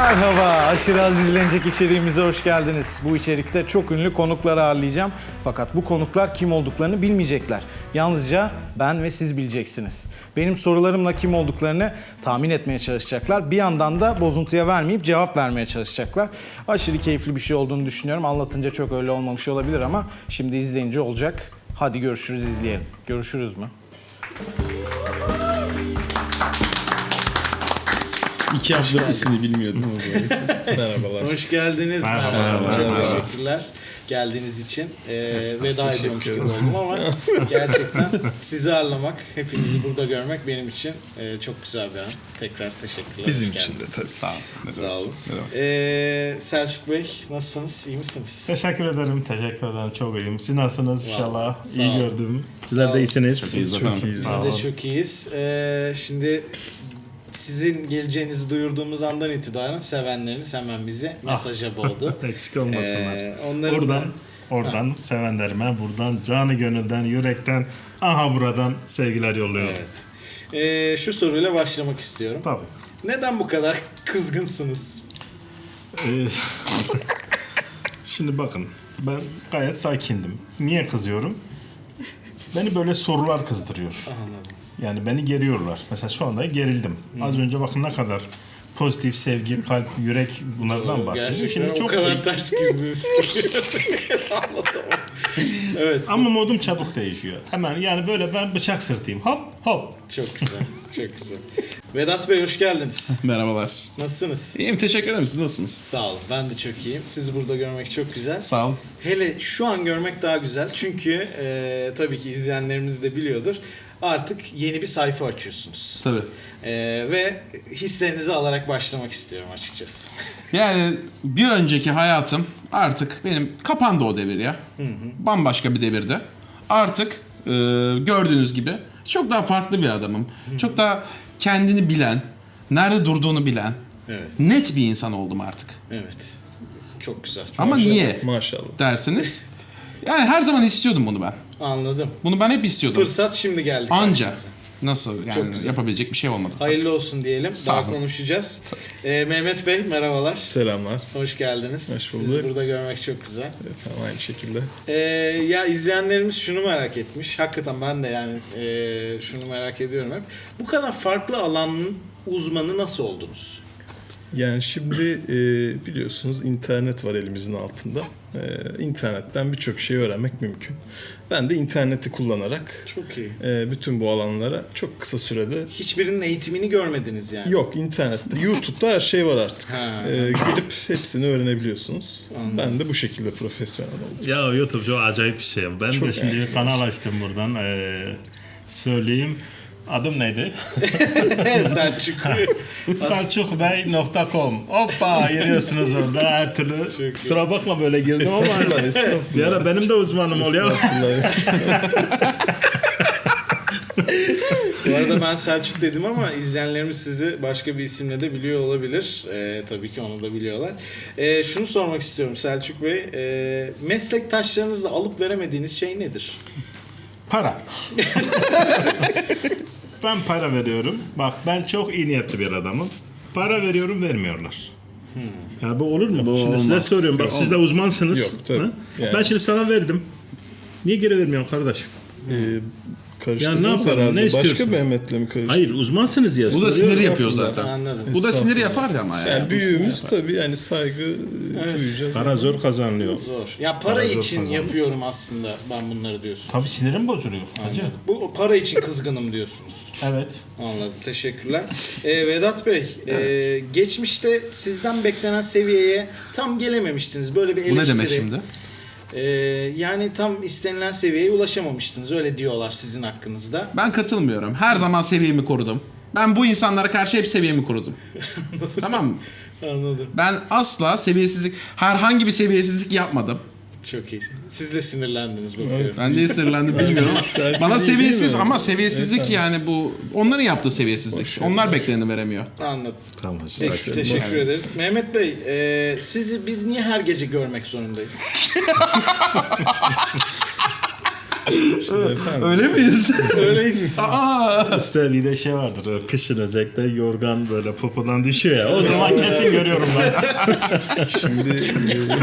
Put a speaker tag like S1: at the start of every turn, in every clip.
S1: Merhaba, aşırı az izlenecek içeriğimize hoş geldiniz. Bu içerikte çok ünlü konukları ağırlayacağım. Fakat bu konuklar kim olduklarını bilmeyecekler. Yalnızca ben ve siz bileceksiniz. Benim sorularımla kim olduklarını tahmin etmeye çalışacaklar. Bir yandan da bozuntuya vermeyip cevap vermeye çalışacaklar. Aşırı keyifli bir şey olduğunu düşünüyorum. Anlatınca çok öyle olmamış olabilir ama şimdi izleyince olacak. Hadi görüşürüz, izleyelim. Görüşürüz mü?
S2: 2 haftadır ismini bilmiyordum ama merhabalar.
S1: Hoş geldiniz.
S3: Merhaba.
S1: Çok teşekkürler geldiğiniz için. Veda ediyormuş gibi oldum ama gerçekten sizi ağırlamak, hepinizi burada görmek benim için çok güzel bir an. Tekrar teşekkürler.
S2: Bizim
S1: Hoş
S2: için de
S1: geldiniz.
S2: tabii. Sağ olun.
S1: Sağ olun. Selçuk Bey nasılsınız? İyi misiniz?
S3: Teşekkür ederim. Çok iyiyim. Siz nasılsınız inşallah?
S1: Sağ
S3: İyi
S1: olun.
S3: gördüm.
S1: Sağ
S3: Sizler
S1: olun.
S3: de iyisiniz.
S2: Çok iyiyiz efendim.
S1: Biz
S3: Sağ
S1: de
S3: olun.
S1: çok iyiyiz. Şimdi sizin geleceğinizi duyurduğumuz andan itibaren sevenleriniz hemen bizi mesaja boğdu.
S3: Eksik olmasınlar.
S1: Onların
S3: Oradan sevenlerime, buradan canı gönülden, yürekten, aha buradan sevgiler yolluyorum.
S1: Evet. Şu soruyla başlamak istiyorum.
S3: Tabii.
S1: Neden bu kadar kızgınsınız?
S3: Şimdi bakın, ben gayet sakindim. Niye kızıyorum? Beni böyle sorular kızdırıyor.
S1: Anladım.
S3: Yani beni geriyorlar. Mesela şu anda gerildim. Az önce bakın ne kadar pozitif, sevgi, kalp, yürek bunlardan bahsediyor.
S1: Gerçekten
S3: Şimdi
S1: o
S3: çok
S1: kadar ters girdiniz ki. Anlatamam. Evet.
S3: ama modum çabuk değişiyor. Hemen yani böyle ben bıçak sırtayım. Hop hop.
S1: Çok güzel. Çok güzel. Vedat Bey hoş geldiniz.
S2: Merhabalar.
S1: Nasılsınız?
S2: İyiyim, teşekkür ederim. Siz nasılsınız?
S1: Sağ olun. Ben de çok iyiyim. Sizi burada görmek çok güzel.
S2: Sağ olun.
S1: Hele şu an görmek daha güzel. Çünkü tabii ki izleyenlerimiz de biliyordur. Artık yeni bir sayfa açıyorsunuz.
S2: Tabii.
S1: Ve hislerinizi alarak başlamak istiyorum açıkçası.
S2: Yani bir önceki hayatım artık benim kapandı o devir ya. Bambaşka bir devirde. Artık gördüğünüz gibi çok daha farklı bir adamım. Çok daha kendini bilen, nerede durduğunu bilen,
S1: Evet.
S2: net bir insan oldum artık.
S1: Evet. Çok güzel. Çok
S2: Ama
S1: güzel.
S2: niye
S4: Maşallah.
S2: dersiniz? Yani her zaman istiyordum bunu ben.
S1: Anladım.
S2: Bunu ben hep istiyordum.
S1: Fırsat şimdi geldi.
S2: Anca.
S1: karşınıza.
S2: Nasıl
S1: Çok
S2: yani
S1: güzel.
S2: yapabilecek bir şey olmadı.
S1: Hayırlı olsun diyelim.
S2: Sağ
S1: Daha
S2: olun.
S1: konuşacağız. Mehmet Bey merhabalar.
S4: Selamlar.
S1: Hoş geldiniz.
S4: Hoş bulduk.
S1: Sizi burada görmek çok güzel.
S4: Evet, tamam, aynı şekilde.
S1: Ya izleyenlerimiz şunu merak etmiş. Hakikaten ben de yani şunu merak ediyorum hep. Bu kadar farklı alanın uzmanı nasıl oldunuz?
S4: Yani şimdi biliyorsunuz internet var elimizin altında. İnternetten birçok şey öğrenmek mümkün. Ben de interneti kullanarak
S1: Çok iyi.
S4: bütün bu alanlara çok kısa sürede...
S1: Hiçbirinin eğitimini görmediniz yani.
S4: Yok, internette, YouTube'da her şey var artık.
S1: Ha.
S4: Girip hepsini öğrenebiliyorsunuz.
S1: Anladım.
S4: Ben de bu şekilde profesyonel oldum.
S3: Ya YouTube çok acayip bir şey. Ben de şimdi bir kanal açtım buradan. Söyleyeyim. Adım neydi?
S1: Selçuk.
S3: Selçukbey.com. Hoppa giriyorsunuz orada her türlü. Kusura bakma böyle girdim ama
S4: Estağfurullah,
S3: bir
S4: estağfurullah.
S3: ara benim de uzmanım oluyor.
S1: Bu arada ben Selçuk dedim ama izleyenlerimiz sizi başka bir isimle de biliyor olabilir. Tabii ki onu da biliyorlar. Şunu sormak istiyorum Selçuk Bey. Meslektaşlarınızla alıp veremediğiniz şey nedir?
S3: Para. Ben para veriyorum. Bak ben çok iyi niyetli bir adamım. Para veriyorum vermiyorlar. Ya bu olur mu?
S2: Bu
S3: şimdi size
S2: olmaz.
S3: soruyorum. Bak
S2: Yok,
S3: siz de
S2: olmaz.
S3: uzmansınız.
S4: Yok, tabii.
S3: Ha?
S4: Yani.
S3: Ben şimdi sana verdim. Niye geri vermiyorsun kardeşim?
S4: Karıştırdınız
S3: Ya ne yapalım,
S4: herhalde.
S3: ne
S4: Başka
S3: istiyorsun?
S4: Mehmet'le mi karıştırdınız?
S3: Hayır uzmansınız ya.
S2: Bu da
S3: soruyorum.
S2: sinir yapıyor zaten.
S1: Anladım.
S2: Bu da sinir yapar ya ama
S4: Yani
S2: yani.
S4: büyüğümüz tabii yani saygı duyacağız.
S3: Para zor kazanılıyor.
S1: Zor. Ya para
S3: Para zor
S1: için
S3: kazanmış.
S1: yapıyorum aslında ben bunları diyorsun.
S3: Tabii sinirim bozuluyor. Hacı.
S1: Anladım. Bu para için kızgınım diyorsunuz.
S3: Evet.
S1: Anladım. Teşekkürler. Vedat Bey, geçmişte sizden beklenen seviyeye tam gelememiştiniz. Böyle bir
S2: Bu
S1: eleştiri.
S2: ne demek şimdi?
S1: Yani tam istenilen seviyeye ulaşamamıştınız. Öyle diyorlar sizin hakkınızda.
S2: Ben katılmıyorum. Her zaman seviyemi korudum. Ben bu insanlara karşı hep seviyemi korudum. Tamam mı?
S1: Anladım.
S2: Ben asla seviyesizlik, herhangi bir seviyesizlik yapmadım.
S1: Çok iyi. Siz de sinirlendiniz bakıyorum.
S2: Ben de sinirlendim bilmiyorum ama
S4: Serpil
S2: bana
S4: değil,
S2: seviyesiz
S4: değil mi?
S2: ama seviyesizlik
S4: Evet,
S2: yani bu onların yaptığı seviyesizlik. Onlar bekleneni veremiyor.
S1: Anladım.
S3: Tamam.
S1: Peki, teşekkür ederiz. Mehmet Bey, sizi biz niye her gece görmek zorundayız?
S2: Öyle miyiz?
S1: Öyleyiz.
S2: Aa!
S3: Üstelik de şey vardır. O kışın özellikle yorgan böyle popodan düşüyor ya. O zaman kesin görüyorum ben.
S4: Şimdi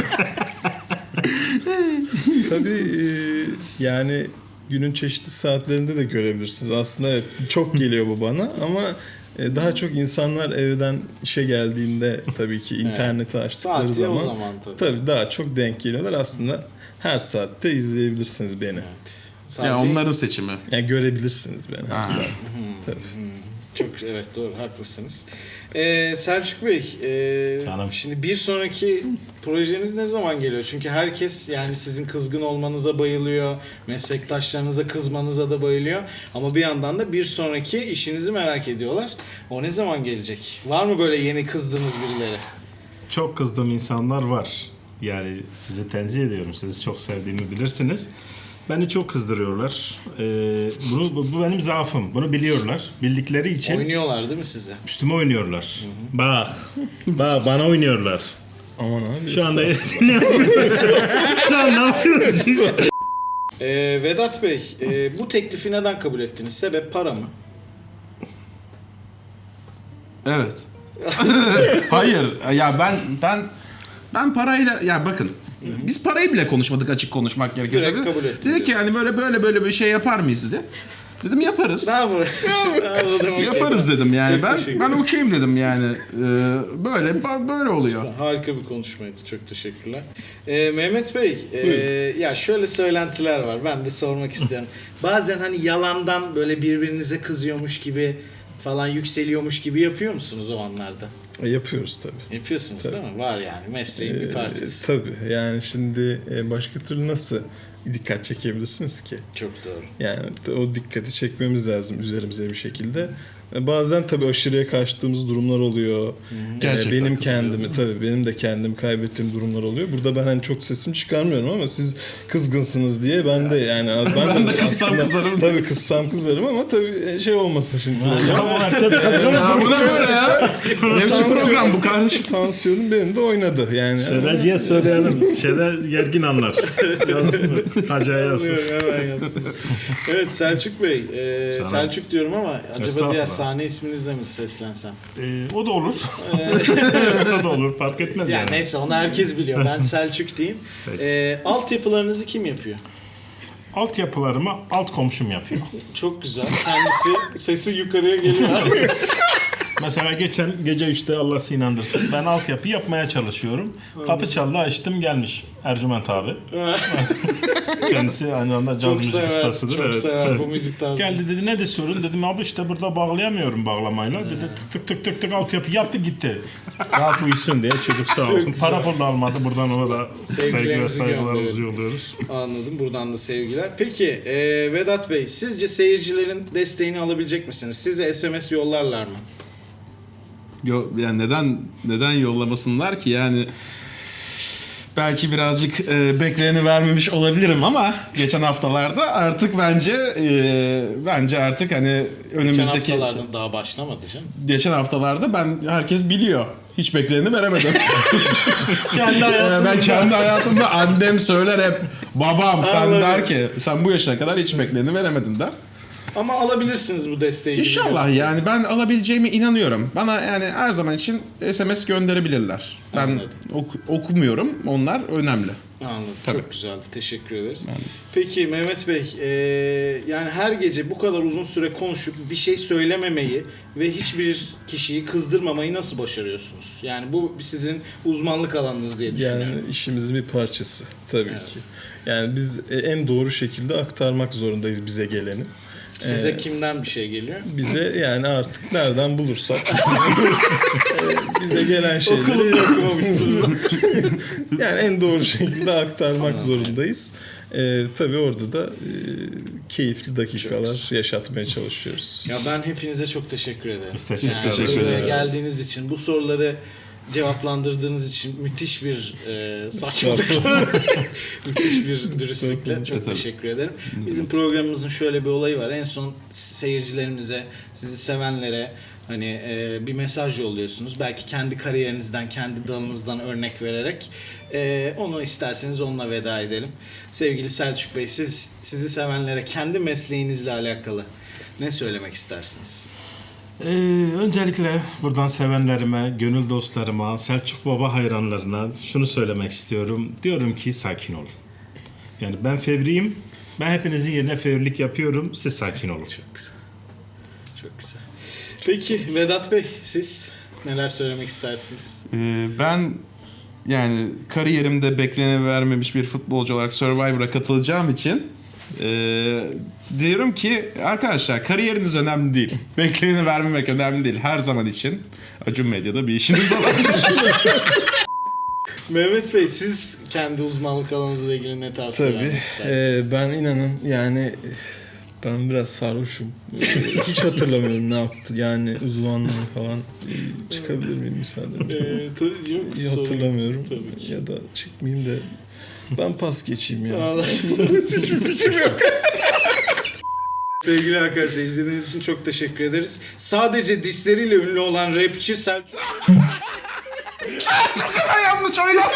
S4: tabii yani günün çeşitli saatlerinde de görebilirsiniz. Aslında evet, çok geliyor bu bana ama daha çok insanlar evden işe geldiğinde tabii ki interneti açtıkları
S1: Saati o
S4: zaman,
S1: zaman
S4: tabii daha çok denk geliyorlar. Aslında her saatte izleyebilirsiniz beni.
S1: Sadece
S2: Ya onların seçimi.
S4: Yani görebilirsiniz beni her saatte. Tabii.
S1: çok evet doğru haklısınız. Selçuk Bey,
S3: Canım.
S1: şimdi bir sonraki projeniz ne zaman geliyor? Çünkü herkes yani sizin kızgın olmanıza bayılıyor, meslektaşlarınıza kızmanıza da bayılıyor. Ama bir yandan da bir sonraki işinizi merak ediyorlar. O ne zaman gelecek? Var mı böyle yeni kızdığınız birileri?
S3: Çok kızdığım insanlar var. Yani sizi tenzih ediyorum. Sizi çok sevdiğimi bilirsiniz. Beni çok kızdırıyorlar. Bu benim zaafım. Bunu biliyorlar. Bildikleri için
S1: Oynuyorlar değil mi size?
S3: üstüme oynuyorlar. Bak. Bak bana oynuyorlar.
S4: Aman abi.
S3: Şu anda ne yapıyorsunuz? Şu an ne yapıyorsunuz?
S1: Vedat Bey, bu teklifi neden kabul ettiniz? Sebep para mı?
S2: Evet. Hayır. Ya ben parayla ya bakın. Biz parayı bile konuşmadık açık konuşmak gerekirse.
S1: Direkt kabul ettim
S2: Dedi ki yani böyle bir şey yapar mıyız dedi. Dedim yaparız.
S1: Bravo. Anladım,
S2: Yaparız dedim yani.
S1: Çok teşekkür
S2: Ben okeyim dedim yani. Böyle oluyor.
S1: Harika bir konuşmaydı. Çok teşekkürler. Mehmet Bey, ya şöyle söylentiler var. Ben de sormak istiyorum. Bazen hani yalandan böyle birbirinize kızıyormuş gibi falan yükseliyormuş gibi yapıyor musunuz o anlarda?
S4: Yapıyoruz tabii.
S1: Yapıyorsunuz değil mi? Var yani mesleğin bir parçası.
S4: Tabii yani şimdi başka türlü nasıl dikkat çekebilirsiniz ki?
S1: Çok doğru.
S4: Yani o dikkati çekmemiz lazım üzerimize bir şekilde. Bazen tabii aşırıya kaçtığımız durumlar oluyor.
S2: Gerçekten
S4: Benim
S2: kızılıyorum.
S4: kendimi tabii benim de kendimi kaybettiğim durumlar oluyor. Burada ben hani çok sesimi çıkarmıyorum ama siz kızgınsınız diye ben de yani ben de
S2: kızsam
S4: aslında-
S2: kızarım.
S4: Tabii kızsam kızarım ama tabii şey olmasın şimdi.
S2: Ya bu ne böyle ya? Ne biçim program bu kardeşim?
S4: Tansiyonum benim de oynadı yani.
S3: Şereciye söyleyelim. Şeyler gergin anlar. Yazsın. Hacıya yazsın.
S1: Hemen yazsın. Evet Selçuk Bey,
S3: Canım.
S1: Selçuk diyorum ama acaba
S3: Estağfurullah.
S1: diğer sahne isminizle mi seslensem?
S3: O da olur. O da olur. Fark etmez
S1: Ya
S3: yani.
S1: neyse onu herkes biliyor. Ben Selçuk diyeyim.
S3: Peki.
S1: Altyapılarınızı kim yapıyor?
S3: Altyapılarımı alt komşum yapıyor.
S1: Çok güzel. Kendisi sesi yukarıya geliyor.
S3: Mesela geçen gece 3'te Allah sizi inandırsın. Ben altyapı yapmaya çalışıyorum. Kapı çaldı açtım gelmiş Ercüment abi. Kendisi aynı anda caz
S1: Çok
S3: müzik
S1: sever.
S3: ustasıdır.
S1: Çok
S3: Evet.
S1: sever bu müzik tarzı.
S3: Geldi dedi ne de sorun dedim abi işte burada bağlayamıyorum bağlamayla. Dedi tık tık altyapı yaptı gitti. Rahat uyusun diye çocuk sağ olsun.
S1: güzel.
S3: Para pul da almadı buradan ona da saygı ve
S1: Sevgilerimizi
S3: saygılarımızı
S1: gönderelim.
S3: yolluyoruz.
S1: Anladım. Buradan da sevgiler. Peki Vedat Bey sizce seyircilerin desteğini alabilecek misiniz? Size SMS yollarlar mı?
S2: Yani neden yollamasınlar ki yani belki birazcık bekleyeni vermemiş olabilirim ama geçen haftalarda artık bence artık hani
S1: Geçen
S2: önümüzdeki
S1: haftalardan daha başlamadı canım.
S2: geçen haftalarda herkes biliyor. Hiç bekleyeni veremedim. Ben kendi hayatımda annem söyler hep babam sen
S1: Anladım.
S2: der ki sen bu yaşına kadar hiç bekleyeni veremedin der.
S1: Ama alabilirsiniz bu desteği.
S2: İnşallah yani ben alabileceğime inanıyorum. Bana yani her zaman için SMS gönderebilirler. Ben
S1: Anladım.
S2: okumuyorum. Onlar önemli.
S1: Anladım.
S2: Tabii.
S1: Çok güzeldi. Teşekkür ederiz. Peki Mehmet Bey, yani her gece bu kadar uzun süre konuşup bir şey söylememeyi ve hiçbir kişiyi kızdırmamayı nasıl başarıyorsunuz? Yani bu sizin uzmanlık alanınız diye düşünüyorum.
S4: Yani işimizin bir parçası tabii ki. Yani biz en doğru şekilde aktarmak zorundayız bize geleni.
S1: Size kimden bir şey geliyor?
S4: Bize yani artık nereden bulursak bize gelen şeyleri
S1: Okulunu okumamışsınız.
S4: yani en doğru şekilde aktarmak zorundayız. Tabii orada da keyifli dakikalar yaşatmaya çalışıyoruz.
S1: Ya ben hepinize çok teşekkür ederim.
S3: Biz teşekkür
S1: Yani
S2: teşekkür
S1: buraya
S2: ederiz.
S1: geldiğiniz için bu soruları cevaplandırdığınız için müthiş bir saçmalıkla, müthiş bir dürüstlükle çok teşekkür ederim. Bizim programımızın şöyle bir olayı var. En son seyircilerimize, sizi sevenlere hani bir mesaj yolluyorsunuz. Belki kendi kariyerinizden, kendi dalınızdan örnek vererek. Onu isterseniz onunla veda edelim. Sevgili Selçuk Bey, sizi sevenlere kendi mesleğinizle alakalı ne söylemek istersiniz?
S3: Öncelikle buradan sevenlerime, gönül dostlarıma, Selçuk Baba hayranlarına şunu söylemek istiyorum. Diyorum ki sakin olun. Yani ben fevriyim. Ben hepinizin yerine fevrilik yapıyorum. Siz sakin olun.
S1: Çok güzel. Çok güzel. Peki Vedat Bey, siz neler söylemek istersiniz?
S2: Ben yani kariyerimde vermemiş bir futbolcu olarak Survivor'a katılacağım için diyorum ki arkadaşlar kariyeriniz önemli değil. Bekleneni vermemek önemli değil. Her zaman için Acun Medya'da bir işiniz olabilir.
S1: Mehmet Bey, siz kendi uzmanlık alanınızla ilgili ne tavsiye
S4: Tabii.
S1: vermek istersiniz?
S4: Ben inanın yani ben biraz sarhoşum. Hiç hatırlamıyorum ne yaptı. Yani uzmanlığı falan. Çıkabilir miyim müsaadenizle?
S1: Yok,
S4: İyi hatırlamıyorum.
S1: Tabii ki.
S4: Ya da çıkmayayım da ben pas geçeyim ya.
S1: Hiçbir fikrim yok. Sevgili arkadaşlar, izlediğiniz için çok teşekkür ederiz. Sadece disleriyle ünlü olan rapçi Selçuk.
S2: Yanlış oynadım.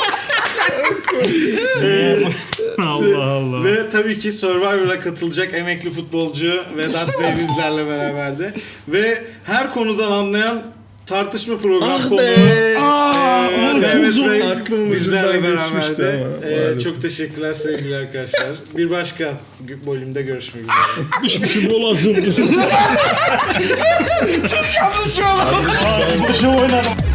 S3: Allah Allah.
S1: Ve tabii ki Survivor'a katılacak emekli futbolcu Vedat Bey bizlerle beraberdi. Ve her konudan anlayan tartışma programı konuğu Mehmet Bey
S4: Aklımın
S1: bizlerle
S4: ucundan geçmişti
S1: beraberdi.
S4: ama maalesef.
S1: Çok teşekkürler sevgili arkadaşlar. Bir başka bölümde görüşmek üzere.
S3: Düşmüşüm olazım.
S2: Yanlış oynadım.
S3: Başım oynadım.